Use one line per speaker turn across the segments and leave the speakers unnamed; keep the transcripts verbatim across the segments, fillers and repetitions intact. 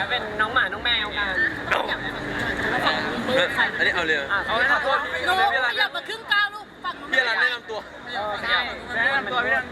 เป็นน้องหมาน้องแมวกัน
อันนี้เอาเลย
เอาเลยขอโทษ
ลูกอยากมาครึ่งก้าวลูกฝั่งน้อง
พี่รันแนะนำตัว
ใช่แนะนำตัวพี่รัน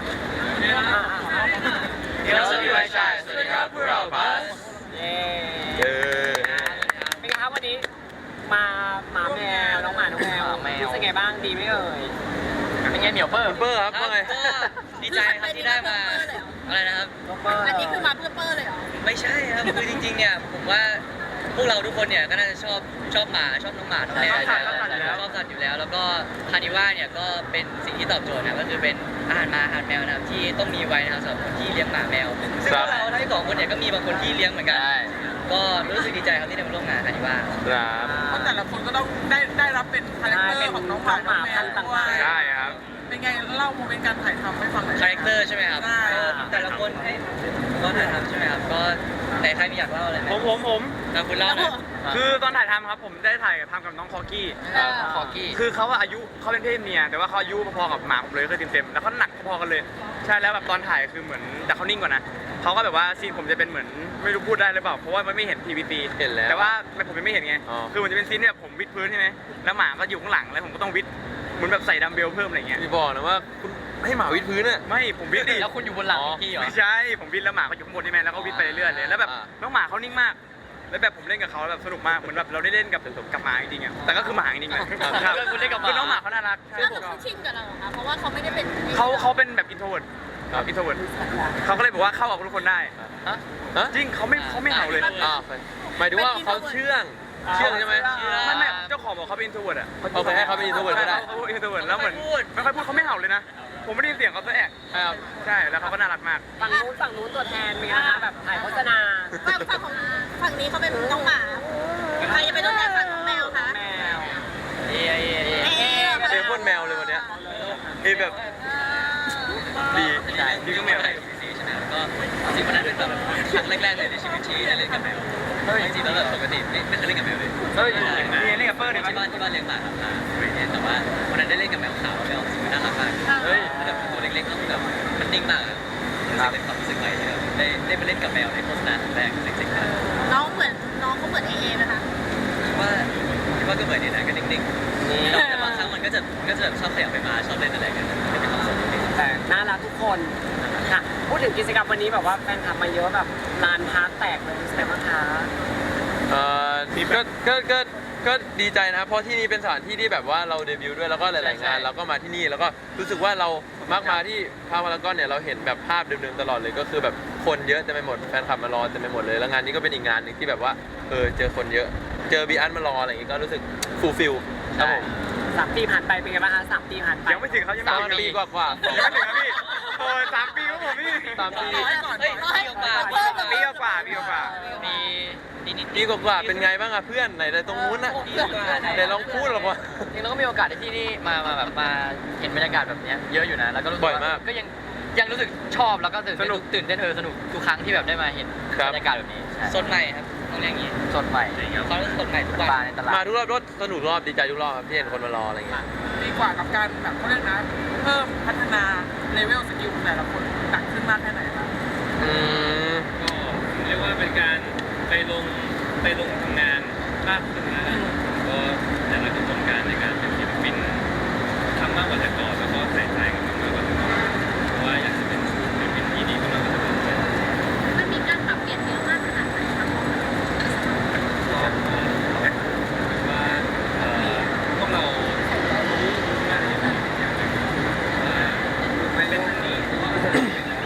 เดี๋ยวสวัสดีครับสวัสดีครับพวกเราบัส
เย้
เออ
เป็นไงครับวันนี้มาหมาแมวน้องหมาน้องแมวรู้สึกไงบ้างดีไหมเอ่ยเป็นไงเหนียวเปิ้ล
เปอร์ครับว่าไง
ดีใจครับที่ได้มาอะไรนะครับ
อันนี้คือมาเพื่อเปอร์เลยเหรอ
ไม่ใช่ครับคือจริงๆเนี่ยผมว่าพวกเราทุกคนเนี่ยก็น่าจะชอบชอบหมาชอบน้องหมาน้องแมวชอบสัตว์อยู่แล้วแล้วก็คานิว่าเนี่ยก็เป็นสิ่งที่ตอบโจทย์นะก็คือเป็นอาหารหมาอาหารแมวนะครับที่ต้องมีไว้นะครับสำหรับคนที่เลี้ยงหมาแมวซึ่งพวกเราทั้งสองคนเนี่ยก็มีบางคนที่เลี้ยงเหมือนกันก็รู้สึกดีใจครับที่ได้มาร่วมงานคานิว่า
ครับ
เพราะแต่ละคนก็ต้องได้ได้รับเป็นคาแรคเตอร์ของน้องหมาน้องแมวด้วย
ใช่ครับ
เป็นไงเล่าโมเมนต์การถ่ายทำให้ฟังหน่อย
คาแรคเตอร์ใช่ไหมครับแต่ละคนให้ก็ถ่ายทำใช่ไหมครับก็ไหนใครมีอยากเล่าอะไรไหม
ผมผมผม
นะคุณเล่าหน่อย
คือตอนถ่ายทำครับผมได้ถ่ายทำกับน้องคอกี้
คอกี้
คือเขาอายุเขาเป็นเพศเมียแต่ว่าเขาอายุพอๆกับหมาผมเลยคือเต็มๆแล้วเขาหนักพอๆกันเลยใช่แล้วแบบตอนถ่ายคือเหมือนแต่เขานิ่งกว่านะเขาก็แบบว่าซีนผมจะเป็นเหมือนไม่รู้พูดได้หรือเปล่าเพราะว่ามันไม่เห็นทีวีซี
เห็นแล้ว
แต่ว่าผมยังไม่เห็นไง
อ๋อ
คือมันจะเป็นซีนเนี่ยผมวิดพื้นใช่ไหมแล้วหมาก็อยู่ข้างหลังแล้วผมก็ต้องวิดเหมือนแบบใส่ดัมเบลเพิ่มอะไรเงี้ย
พี่บอกนะว่าคุณให้หมาวิดพื้นอ่ะ
ไม่ผมวิดดิ
แล้วคุณอยู่บนหลังพี่เหรอ
ไม่ใช่ผมวิดแล้วหมาก็อยู่ข้างบนใช่ไหมแล้วก็วิดไปเรื่อยๆเลยแล้วแบบ
อ่า
น้องหมาเขานิ่งมากแล้วแบบผมเล่นกับเขาแบบสนุกมากเหมือนแบบเราได้เล่นกับกับหมาจริงๆอ่ะแต่ก็คือหมาจริงๆแหละ
ครับคุณเล่นกับหมา
คือน้องหมาเขาน่ารักใช่
ก็
ผ
คือ
ม
เขาชินกับเราเหรอคะเพราะว่าเขาไม่ได้เป็น
เขาเขาเป็นแบบอินโทรเวิร์ดครับอินโทรเวิร์ดเขาก็เลยบอกว่าเข้ากับทุกคนได้
ฮะฮะ
จริงเขาไม่เขาไม่เห่าเลย
อ่าโอเคหมายถึงว่าเขาเชื่องเชื่องใช่ไหม
ไม่ไม่เจ้าของบอกเขาเป็นอินโทรเวิร์ดอ่ะ
โอเคให้เขาเป็น introvert ก็ได้
เขาเป็นอินโทรเวิร์ดแล้วเหมือนไม่ค่อยพูดเขาไม่เห่าเลยนะผมไม่ได้ยินเสียงเขาสักแอะ
ครับ
ใช่แล้วเขาก็น่ารักมาก
ฝั่งนู้นฝั่งนู้นตัวแทนมีนะคะแบบถ่ายโฆษณา
ฝั่งฝั่งของฝั่งนี้เขาเป็นน้องหมาใครจะเป็นตัวแทนฝั่งน้องแมวคะ
แมว
เอ้ยเอ้ย
เอ๊ะ
เจอพ่นแมวเลยวันเนี้ยเอ้ยแบบดีดีก็แมว
ใช่ไหมก็จริงๆวันนั้นเป็นแบบครั้งแรกๆเลยในชีวิตที่ได้เล่นกับแมวจริงๆแล้วแบบปกติไม่ไม่เคยเล่นกับแมวเลย
เฮ้ยมีเล่นกับเปิ้ลเนี่ย
ที่บ้านที่บ้านเลี้ยงหมาครับแต่ว่าวันนั้นได้เล่นกับแมวขาวแมวสีน่ารักมากเฮ้ยแบบตัวเล็กๆแล้วแบบมันนิ่งมากรู้สึกเป็นความรู้สึกใหม่เลยได้ได้ไปเล่นกับแมวในโฆษณาครั้งแรกเจ๋งๆมาก
น้องเหมือนน้องเขาเหมือนเอเอนะคะ
คิดว่าคิดว่าก็เหมือนนี่นะก็นิ่งๆแต่บางครั้งมันก็จะก็จะแบบชอบขยับไปมาชอบเล่นอะไรกันเป็นความสุขจริง
แต่น่ารักทุกคนค่ะพูดถึงกิจกรรมวันนี้แบบว่าแฟนคลับมาเยอะแบบลานพาร์ทแตกเลยใช่ไหมคะ
เอ่อก็ก็ก็ก็ดีใจนะครับเพราะที่นี่เป็นสถานที่ที่แบบว่าเราเดบิวต์ด้วยแล้วก็หลายๆงานเราก็มาที่นี่แล้วก็รู้สึกว่าเรามักมาที่พารากอนเนี่ยเราเห็นแบบภาพเดิมๆตลอดเลยก็คือแบบคนเยอะเต็มไปหมดแฟนคลับมารอเต็มไปหมดเลยแล้วงานนี้ก็เป็นอีกงานหนึ่งที่แบบว่าเออเจอคนเยอะเจอบีอันมารออะไรอย่างงี้ก็รู้สึกฟูลฟิลครับผม
สามปีผ่านไปเป็นไงบ้างคะสามปีผ่านไป
ยังไม่ถึงเขายัง
สาม
ไม่ถึง
ปีกว่าๆ
ยังไม่ถึงครับพี่โอ้ยสามปีครับผมพี่
สามปี
เฮ้ยปีกว่า
ปีกว่าปีกว่า
มีนิดนิด
ปีกว่าๆเป็นไงบ้างอะเพื่อนไหนแต่ตรงนู้นน่ะไหนลองพูดหรอกว่า
จริงๆเราก็มีโอกาสที่นี่มามาแบบมาเห็นบรรยากาศแบบนี้เยอะอยู่นะแล้วก็รู้สึก
บ่อยมาก
ก็ยังยังรู้สึกชอบแล้วก็ตื่นสนุกตื่นเต้นเธอสนุกทุกครั้งที่แบบได้มาเห็นบรรยากาศแบบนี้สดใหม่ครับต้องเรียกอย่างนี้สดใหม่เขาเรียกสดใหม่ทุกวันในตลาด
มาทุกรอบรถสนุกรอบดีใจทุกรอบครับที่เห็นคนมารออะไรเงี้ย
ดีกว่ากับการแบบเขาเรียกนะ เพิ่มพัฒนาเลเวลสกิลของแต่ละคนหนักขึ้นมากแค่ไหนบ้าง
อืม
ก็เรียกว่าเป็นการไปลงไปลงทำงานมากขึ้นนะก็แต่ละกระบวนการในการเป็นศิลปินทำมากกว่าแต่ก่อนแล้วก็ใส่ใจกับมันมากกว่าแต่ก่อนเพราะว่าอยากจะเป็นศิลปินที่ดีมากกว่าแต่ก่อน
มันมีการปรับเปลี่ยนเยอะมากขนาดไหนคะ
ก็ว่าเอ่อพวกเรารู้งานอย่างอย่างหนึ่งว่าไม่เป็นทางนี้เพราะว่าเป็น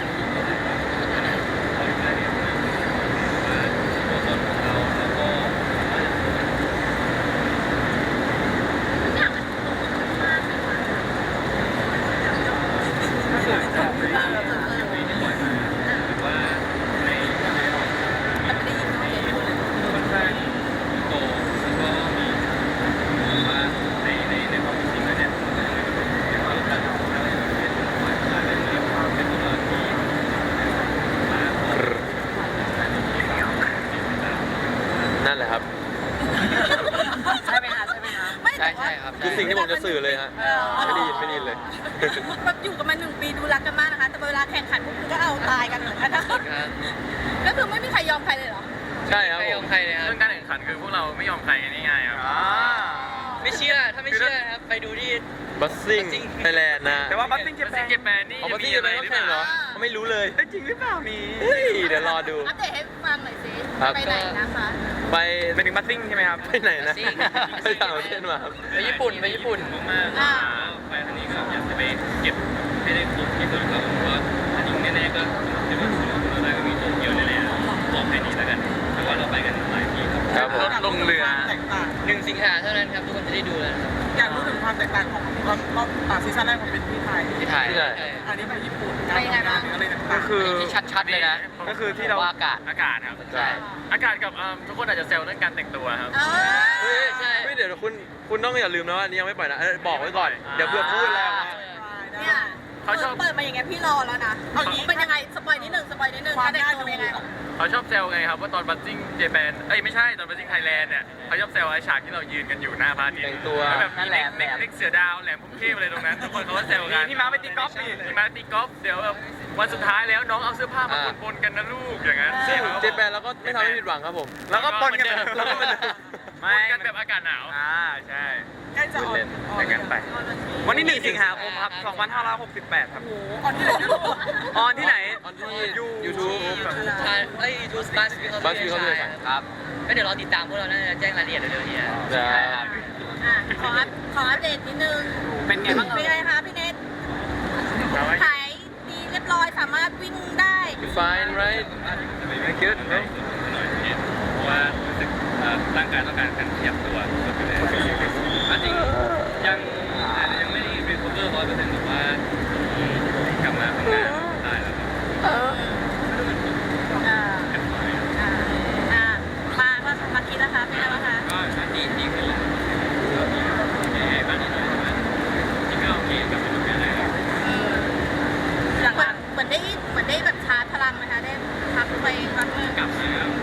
เราอยู่ได้เนี่ยว่าตัวตนของเราแล้วก็
ทุกอย่างมันลงตัวมากเลยค่ะ
ถ้าเกิดจากในอย่างนี้ที่ปล่อยมาหรือว่าในในค่อนข้างโตแล้วก็มีผมว่าในในในความจริงแล้วเนี่ยในความการทำอะไรแบบนี้ปล่อยมาเป็นเรื่องความเป็นตัวเราที่มาพบการที่มีความเป็นแบบ
นั่นแหละครับ
ใช่ไหมคะใช่ไหมคะ
ใช่ใช่ครับ
คือสิ่งที่ผมจะสื่อเลยฮะไม่ได้ยินไม่ได้ยินเลย
แบบอยู่กันมาหนึ่งปีดูรักกันมากนะคะ แต่เวลาแข่งขันพวกคุณก็เอาตายกันเหมือนกันนะก็คือไม่มีใครยอมใครเลยเหรอ
ใช่ครับ
ไม่
ผ
ยอ
ม
มใครเลยครับ
เรื่องการแข่งขันคือพวกเราไม่ยอมใครกันง่ายๆครับ
ไม่เชื่อถ้าไม่เชื่อครับไปดูที่
บัสซิ่ง
Buzzing
ไทยแลนด์นะ
แต่ว่าบัสซิ่งเจแปนเจแปนนี่
เอาบัส
มี
ซิ่ง
อะไร
เป็น
หรือ
แข่ง
เป
เหรอ
ล่า
เขาไม่รู้เลย
เอ้ยจริงหรือเปล่านี่
เฮ้ยเดี๋ยวรอดู
อัปเดตให้ฟังหน่อยสิ
ครับ
ไปไหนนะคะ
ไป
เป็นถึงบัสซิ่งใช่ไหมครับ
ไปไหนนะ
Buzzing
ไปต่างประเทศมาครับ
ไปญี่ปุ่นไปญี่ปุ่น
มากๆไปทางนี้ก็อยากจะไปเก็บให้ได้ครบที่สุดครับเพราะว่าอันนี้แน่ๆก็จะมีส่วนเราได้ก็มีโตเกียวแน่ๆบอกแค่นี้แล้วกันแต่ว่าเราไปกันหลายที่ครับ
ครับผม
ลงเรือ
แตกต่าง
หนึ่งสิงหาเท่านั้นครับทุกคนจะได้ดูแล้วนะครับ
อยากรู้ถึงความแตกต่างของรอบรอบอ่าซีซั่นแรกของเป็นที่ไทย
ที่ไทย
ที่ไหน
อันนี้ไปญี่ปุ่นการทำงานหรืออะไรต่างๆ
ก็คือ
ที่ชัดๆเลยนะ
ก็คือที่เรา
ว่าอากาศ
อากาศครับ
ใช่
อากาศกับเอิ่มทุกคนอาจจะแซวเรื่องการแต่งตัวครับ
เออ
เฮ้ย
ใช่
เฮ้ยเดี๋ยวคุณคุณต้องอย่าลืมนะว่าอันนี้ยังไม่ปล่อยนะเออบอกไว้ก่อนเดี๋ยวเพื่อพูดแล้ว
เนี่ย
เขาชอบ
เปิดมาอย่างเงี้ยพี่รอแล้วนะเอาอย่างนี้เป็นยังไงสปอยนิดหนึ่งสปอยนิดหนึ่งการแต่งตัวเป็นยังไง
เขาชอบแซวไงครับว่าตอนบัสซิ่งเจแปนเอ้ยไม่ใช่ตอนบัสซิ่งไทยแลนด์เนี่ยเขาชอบแซวไอ้ฉากที่เรายืนกันอยู่หน้าพระอาทิตย์
แต่งตัว
แล้วแบบ
นั่นแหละ
เน็กเน็กเสือดาวแหลมพุ่มเทพอะไรตรงนั้นทุกคนเขาก็แซวกันพี่มาไปตีกอล์ฟพี่มาตีกอล์ฟเดี๋ยวแบบวันสุดท้ายแล้วน้องเอาเสื้อผ้ามาปนๆกันนะลูกอย่างนั้น
ซึ่งเจแปนเราก็ไม่ทำให้ผิดหวังครับผม
แล้วก็ปนกัน
แล้วก็เหมือนเดิม
ปนกันแบบอากาศหนาวอ่าใช่
ใกล้จะออน
เล่น
ออ
แต่งกันไป วันที่หนึ่งสิงหาคมครับสองพันห้าร้อยหกสิบแปดครับ
โอ้โหออนที่ไหนนะลูก
ออนที่ไหน
ออนที่ยูทูบ
ใช่เอ้ยยูทูบบัสฟิ
Buzz Film
ครับก็เดี๋ยวรอติดตามพวกเราน่าจะแจ้งรายละเอียดเร็วๆนี้นะ
ใช่
อ่ะขออัปขออัปเดตนิดนึง
เป็นไงบ้าง
เป็นไงคะพี่เนทหายดีเรียบร้อยสามารถวิ่งได้
fine right good
หน่อยเพราะว่ารู้สึกร่างกายต้องการการขยับตัวอันจริงยังอาจจะยังไม่ได้รีคอเวอร์ร้อยเปอร์เซ็นต์แต่ว่ากลับมาทำงานได้แล้วครับ
เอออ่าอ่าอ่ามาว่ามาคิดนะคะเป็นไงบ้างคะ
ก็ดีดีขึ้นแล้วก็มีแย่บ้างนิดหน่อยแต่จริงก็โอเคกับเป็นงานได้ครับ
เหมือนเหมือนได้เหมือนได้แบบชาร์จพลังนะคะได้พักไปพักนึง
กลับมาแล้ว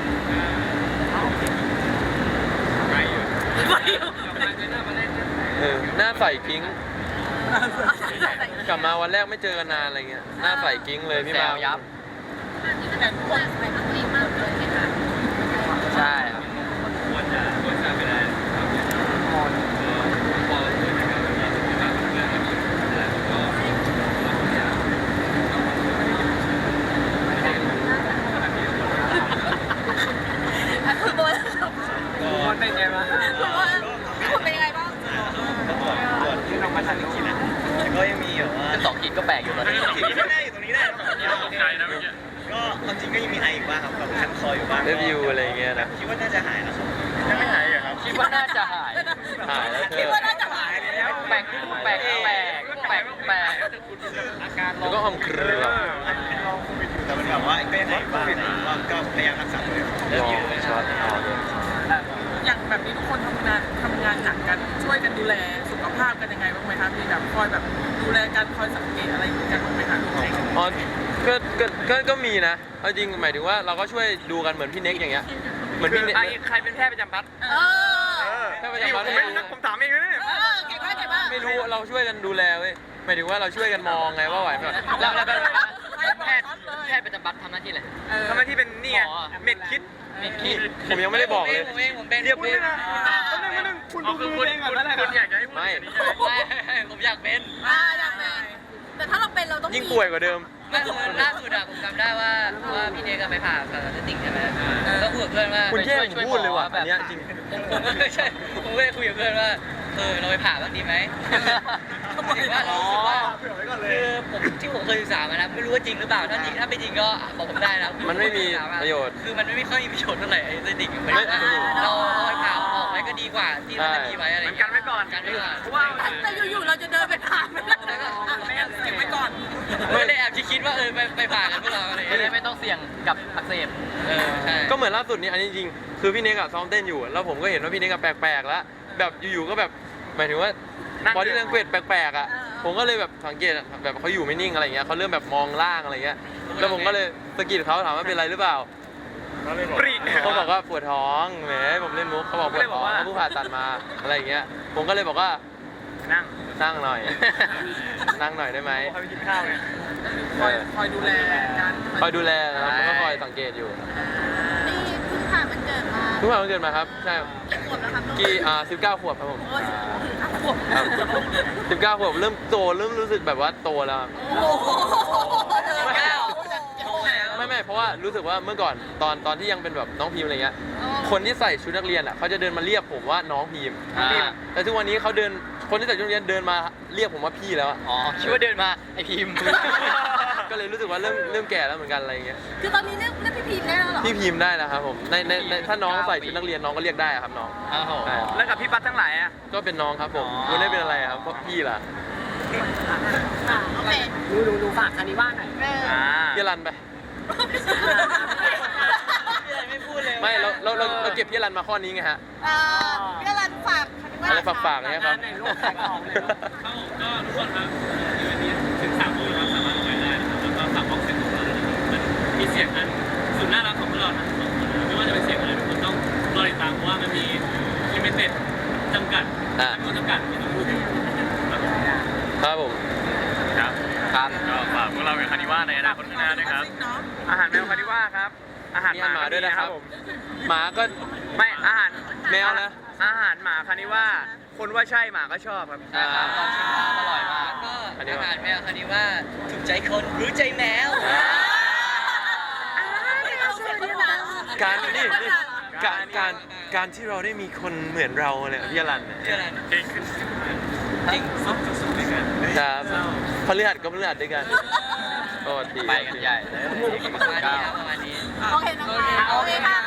ไปอยู่กลับมาเจอหน้ามาเล่นนะ
เออหน้าใสกิ้งกลับมาวันแรกไม่เจอกันนานอะไรเงี้ยหน้าใสกิ้งเลยพี่มา
แซวยับ
แต่ทุกคน
ใช่ครับ
ควรจะควรจะไปได้ครับพอพอควรจะกลับมามีสุขภาพเรื่องแล้วก็เราควรจะต้องมาช่วยกันไม่ได้ขนาดนี้
อ่ะคือโบน
ก็
มันเป็นไงบ้าง
คือว่าคุณเป็นยังไงบ้าง
ก่อนที่เรามาทันอีกทีนะก็ยังมีแบบว่า
สองขีดก็แปลกอยู่ตอนนี้
ขีดที่ได้อยู่ตรงนี้ได้สองขีด
ตกใจนะเมื่อกี้
ก็ความจริงก็ยังมีไออีกบ้างครับแบบคันคออยู่บ้าง
เรวิวอะไรเงี้ยนะ
คิดว่าน่าจะหายแล้วยังไม่หายเหรอครับ
คิดว่าน่าจะหาย
หายแล้วเธ
คิด
อ
ว่าน่าจะหาย
แปลกแปลกแปลกแปลกแปลก
อาการ
แล้วก็อมเครือ
อันเป็นลองโควิดอยู่แต่มันแบบว่าก็ยังหายบ้างก็ก็พยายามรักษาตัวเอง
ลองช็อตออกเลย
อย่างแบบนี้ทุกคนทำงานทำงานหนักกันช่วยกันดูแลสุขภาพกันยังไงบ้างไหมคะมีแบบคอยแบบดูแลกันคอยสังเกตอะไรกันบ้างไหมคะ
อ๋อก็ก็ก็ก็มีนะเอาจริงหมายถึงว่าเราก็ช่วยดูกันเหมือนพี่เน็กอย่างเงี้ยเหมือนพี่เน็ก
ใครเป็นแพทย์ประจำบัตร
เออ
แค่ประจำวัน
ผมไม่รู้นะผมถามเองนะเนี่ย
เออเก่งมากเก่งมาก
ไม่รู้เราช่วยกันดูแลเว้ยหมายถึงว่าเราช่วยกันมองไงว่าไหวไหม
แล้วแล้วแพทย์แพทย์ประจำบัตรทำหน้าที่อะไร
ทำหน้าที่เป็นนี่ไง
หมอ
เม็ดคิด
เม็ดคิด
ผมยังไม่ได้บอกเลย
ผมเองผมเป็น
เรียบเลยนะก็นึงก็นึงคุณดูมือเองก่อนแล้วคุณอยากจะให้พูดอย่างนี้ใช่ไหม
ใช่ผมอยากเป็น
อ่าอยากเป็นแต่ถ้าเราเป็นเราต้อง
ยิ่งป่วยกว่าเดิม
ไม่คือล่าสุดอะผมจำได้ว่าว่าพี่เนกไปผ่าตัดสติ่งใช่ไหมก็คุยกับเพื่อนว่า
คุณแย่งผมพูดเลยว่ะ
แบ
อั
บ
นเนี้ยจริง
ผมผมก็ใช่ผมก็เลยคุยกับเพื่อนว่าเออเราไปผ่าบ้างดีไหมถือว่าเรารู้สึกว่าคือผมที่ผมเคยศึกษามานะไม่รู้ว่าจริงหรือเปล่าถ้าจริงถ้าไม่จริงก็บอกผมได้นะ
มันไม่มีประโยชน์
คือมันไม่ค่อยมีประโยชน์เท่าไหร่ไอ้สติ่งมัน
ไม่
เราเอาไปผ่าออกไว้ก็ดีกว่าที่เราจะมีไว้อะไร
มันกันไว้ก่อน
กันไว้ก่อน
เพราะว่า
แต่อยู่ๆเราจะเดินไปผ่านไม่ได้อ่ะไม่งั้นเก็บไว้ก่อน
ไม่ได้แอบคิดว่าเออไปไปผ่ากันพวกเราอะไรจะได้ไม่ต้องเสี่ยงกับอักเสบเออใช่
ก็เหมือนล่าสุดนี้อันนี้จริงๆคือพี่เน็กอะซ้อมเต้นอยู่ แล้วผมก็เห็นว่าพี่เน็กอะแปลกๆแล้วแบบอยู่ๆก็แบบหมายถึงว่าบอดี้แลงเกจแปลกๆอะผมก็เลยแบบสังเกตอะแบบเขาอยู่ไม่นิ่งอะไรเงี้ยเขาเริ่มแบบมองล่างอะไรเงี้ยแล้วผมก็เลยสะกิดเขาถามว่าเป็นไรหรือเปล่า
ปรี
เขาบอกว่าปวดท้องแหมผมเล่นมุกเขาบอกปวดท้องเขาเพิ่งผ่าตัดมาอะไรอย่างเงี้ยผมก็เลยบอกว่า
นั่ง
นั่งหน่อย นั่งหน่อยได้ไหม
คอยไปกินข้าวไง
คอยคอยดูแลกัน
คอยดูแลนะครับมันก็คอยสังเกตอยู่
นี่เพิ่งผ่านมา
เพิ่งผ่านวันเกิดมาครับใช่ครับ
ขวบแล้วครับ
กี่อ่าสิบเก้าขวบครับผม
โอ้ยขวบ
ครับสิบเก้าขวบเริ่มโตเริ่มรู้สึกแบบว่าโตแล้วครับ
โอ้โห
เก้าโตแล้ว
ไม่ไม่เพราะว่ารู้สึกว่าเมื่อก่อนตอนตอนที่ยังเป็นแบบน้องพิมพ์อะไรเงี้ยคนที่ใส่ชุดนักเรียนอ่ะเขาจะเดินมาเรียกผมว่าน้องพิมพ์
อ่า
แต่ทุกวันนี้เขาเดินคนที่ใส่ชุดนักเรียนเดินมาเรียกผมว่าพี่แล้วอะ
อ๋อคิดว่าเดินมาไอพิมพ์
ก็เลยรู้สึกว่าเริ่มเริ่มแก่แล้วเหมือนกันอะไรเงี้ย
คือตอนนี้เรียกเรียกพี่พีมได้แล้วเหรอ
พี่พิมพ์ได้แล้วครับผมในในในถ้าน้องใส่ชุดนักเรียนน้องก็เรียกได้อะครับน้อง
อ้าว
ใช่
แล้วกับพี่ปั๊ดทั้งหลายอ่ะ
ก็เป็นน้องครับผมไม่ได้เป็นอะไรครับเพราะพี่ล่ะ
อ่ะโอเค
ดูดูดูฝากคันนี้ว่าหน่อย
เออ
อ่า
พี่รันไป
ไม่พูดเลย
ไม่เราเราเราเราเก็บพี่รันมาข้อนี้ไงฮะ
เอ่อพี่อรันฝากคันนี้ว่า
อะไรฝากๆเนี่ยครับ
ไหนลูกขายของเลยลูก
ครับผมก็ทุกคนครับอีเวนต์นี้ถึงสามโมงนะครับสามารถลงไปได้นะครับแล้วก็ฝากบ็อกเซ็ตของเราด้วยนะครับมันมีเสียงอันสุดน่ารักของพวกเราทั้งสองคนนะครับไม่ว่าจะเป็นเสียงอะไรทุกคนต้องรอติดตามเพราะว่ามันมีลิมิเต็ดจำกัด
อ่า
จำนวนจำกัดที่ต้องพูดถึงครับผม
ครับผม
ครับ
ครับ
ก็ฝากพวกเราเป็นคานิว่าในอนาคตข้างหน้าด้วยครับ อาหารแมวคานิว่าครับ อาหาร
มีอาหารหมาด้วยนะครับ
ผม
หมาก็
ไม่อาหาร
แมวนะ
อาหารหมาคานิว่า คนว่าใช่หมาก็ชอบครับ
อ่า
ลองชิมมาอร่อยมากก็อาหารแมวคันนี้ว่าถูกใจคนรู้ใจแมว
การนี่นี่การการการที่เราได้มีคนเหมือนเราเนี่ยพี่รันเนี่ย
เชื่ออะไร
จริง
จริง
สุดสุดๆเลยกัน
ครับพฤหัสก็พฤหัสด้วยกันโอ้ดี
ไปกันใหญ่เลยประมาณนี้ครับประมาณนี้
โอเคนะคะโอเคค่ะ